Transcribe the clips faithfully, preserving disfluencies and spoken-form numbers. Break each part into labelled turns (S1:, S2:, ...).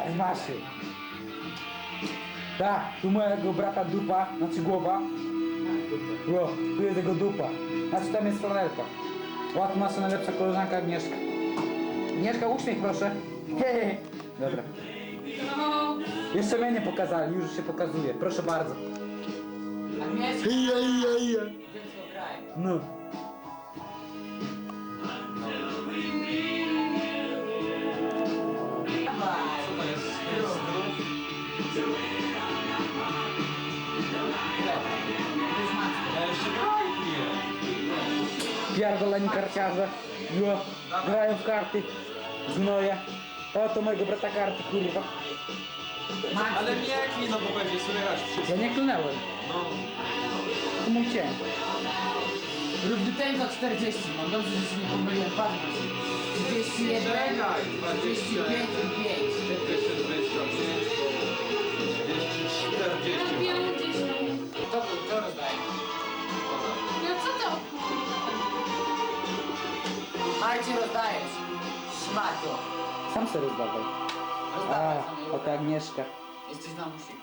S1: Jest, masz się. Tak, tu mojego brata dupa, znaczy głowa. O, tu jest jego dupa. Znaczy tam jest flanelka. O, tu nasza najlepsza koleżanka Agnieszka. Agnieszka, uśmiech proszę. Hehe. Dobra.
S2: No.
S1: Jeszcze mnie nie pokazali, już się pokazuje. Proszę bardzo.
S2: Agnieszka.
S1: Ija, ija, ija.
S2: Dziecko graj.
S1: No.
S2: Dawaj.
S3: Co to jest? Ja jeszcze graj piję.
S1: Pierdoleni karciarze. Jo. Grają w karty. Gnoje. O, to mojego brata karty, kurwa.
S3: Ale nie klij, no bo będzie słychać wszystko.
S1: Ja nie klnęłem.
S3: No.
S1: To mój cień.
S2: Rób ten za czterdzieści. Mam dobrze, że się nie pomyliłem. Patrz. trzydzieści jeden,
S3: Czekaj,
S2: trzydzieści pięć i pięć.
S3: dwieście dwadzieścia pięć, dwieście czterdzieści.
S4: pięćdziesiąt.
S2: To, to rozdaję.
S4: No co to?
S2: Marcin, rozdajesz. Szmato.
S1: Sam sobie rozdawaj. A,
S2: Rozdawaj.
S1: oto Agnieszka.
S2: Jesteś na musiku.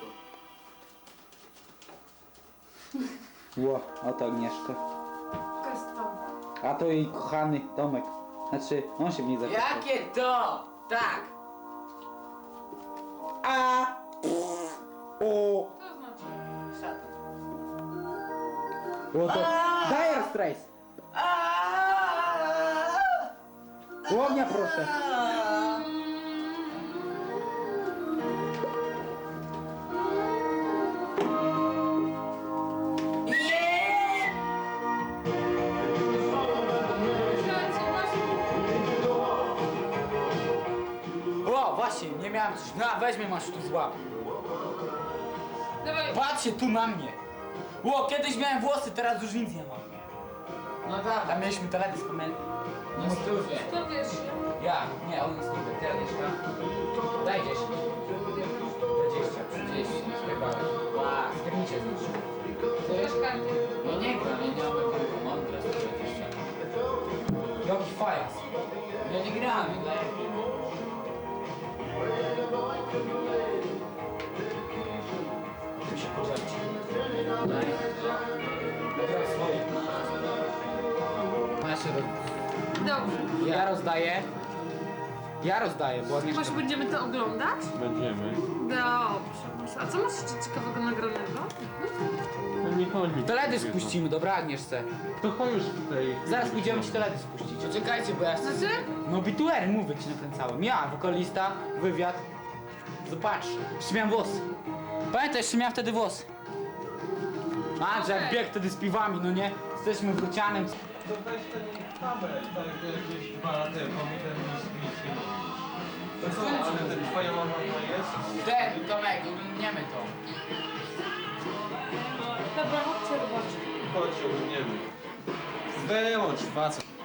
S1: Ło, oto Agnieszka.
S4: To jest to.
S1: A to jej kochany Tomek. Znaczy, on się w niej zakochał.
S2: Jakie to? Tak.
S1: A! O!
S4: To znaczy.
S2: Szatan.
S1: O to... Dire Straits! Łownia proszę! O, właśnie, nie miałem coś. No, weźmie masz tu złap.
S4: Dawaj.
S1: Patrzcie tu na mnie. Ło, kiedyś miałem włosy, teraz już nic nie mam.
S2: No tak.
S1: Tam mieliśmy teledysk, pamiętam.
S2: Na stówę.
S4: To wiesz.
S1: Ja, nie, on jest niby, ty Agnieszka. Daj dziesięć. dwadzieścia.
S2: trzydzieści.
S1: Chyba. A, skiernicie znaczy.
S2: Ty?
S4: Masz karty.
S2: Ja nie gram, ja nie mam taką mądre dwadzieścia.
S1: Jaki fajas.
S2: Ja nie grałem, ja grałem.
S1: Tu się pożarci.
S2: Daj.
S1: Dobra, swoje. Masz roz...
S4: Dobrze.
S1: Ja rozdaję. Ja rozdaję, bo Agnieszka...
S4: Może będziemy to oglądać?
S3: Będziemy.
S4: Dobrze. A co masz jeszcze ciekawego nagranego?
S3: No nie chodzi.
S1: Teledysk puścimy, dobra Agnieszce.
S3: To chodź już tutaj.
S1: Zaraz pójdziemy ci teledysk puścić.
S2: Poczekajcie, bo ja chcę...
S4: Znaczy?
S1: No bituery, mówię ci nakręcałem. Ja, wokalista, wywiad. Zobacz, jeszcze miałem włosy. Pamiętaj, jeszcze miałem wtedy włosy. A, że jak
S4: Okej.
S1: biegł wtedy z piwami, no nie? Jesteśmy wrócianem.
S3: To weź ten kabel, tak jakieś dwa lata temu, ten nic nie mówi. To co, ale ten twoja mama jest?
S2: Ten, Tomek, oglądniemy to.
S4: Dobra, chodźcie zobaczyć.
S3: Chodź, oglądniemy. Wyłącz, facet.